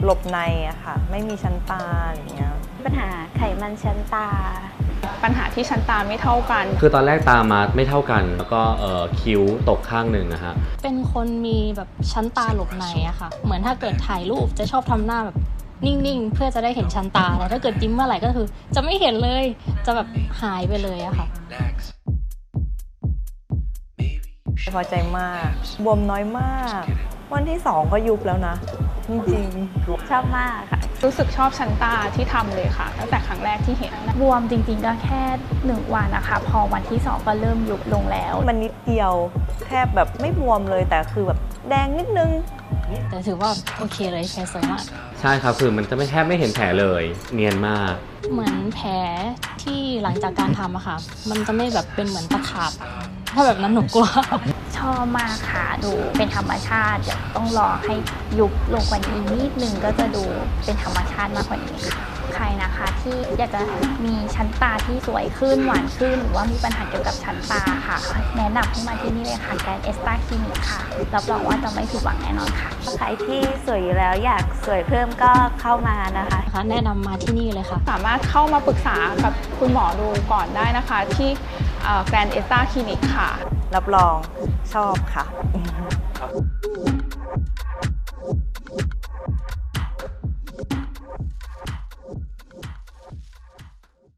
หลบในอะค่ะไม่มีชั้นตาอะไรเงี้ยปัญหาไขมันชั้นตาปัญหาที่ชั้นตาไม่เท่ากันคือตอนแรกตามาไม่เท่ากันแล้วก็คิ้วตกข้างหนึ่งนะฮะเป็นคนมีแบบชั้นตาหลบในอะค่ะเหมือนถ้าเกิดถ่ายรูปจะชอบทำหน้าแบบนิ่งๆเพื่อจะได้เห็นชั้นตาแต่ถ้าเกิดยิ้มเมื่อไหร่ก็คือจะไม่เห็นเลยจะแบบหายไปเลยอะค่ะพอใจมากบวมน้อยมากวันที่2ก็ยุบแล้วนะจริงๆชอบมากค่ะรู้สึกชอบชั้นตาที่ทำเลยค่ะตั้งแต่ครั้งแรกที่เห็นบวมจริงๆก็แค่1 วันนะคะพอวันที่2ก็เริ่มยุบลงแล้วมันนิดเดียวแทบแบบไม่บวมเลยแต่คือแบบแดงนิดนึงแต่ถือว่าโอเคเลยแผลสวยมากใช่ครับคือมันจะไม่แทบไม่เห็นแผลเลยเนียนมากเหมือนแผลที่หลังจากการทำอะค่ะมันจะไม่แบบเป็นเหมือนตะขาบถ้าแบบนั้นหนูกลัวชอบมากค่ะดูเป็นธรรมชาติเดี๋ยวต้องรอให้ยุบลงกว่านี้นิดนึงก็จะดูเป็นธรรมชาติมากกว่านี้ค่ะใครนะคะที่อยากจะมีชั้นตาที่สวยขึ้นหวานขึ้นหรือว่ามีปัญหาเกี่ยวกับชั้นตาค่ะแนะนำให้มาที่นี่เลยค่ะแกรนด์เอสตาคลินิกค่ะรับรองว่าจะไม่ผิดหวังแน่นอนค่ะใครที่สวยอยู่แล้วอยากสวยเพิ่มก็เข้ามานะคะแนะนำมาที่นี่เลยค่ะสามารถเข้ามาปรึกษากับคุณหมอดูก่อนได้นะคะที่แกรนด์เอสตาคลินิกค่ะรับรองชอบค่ะ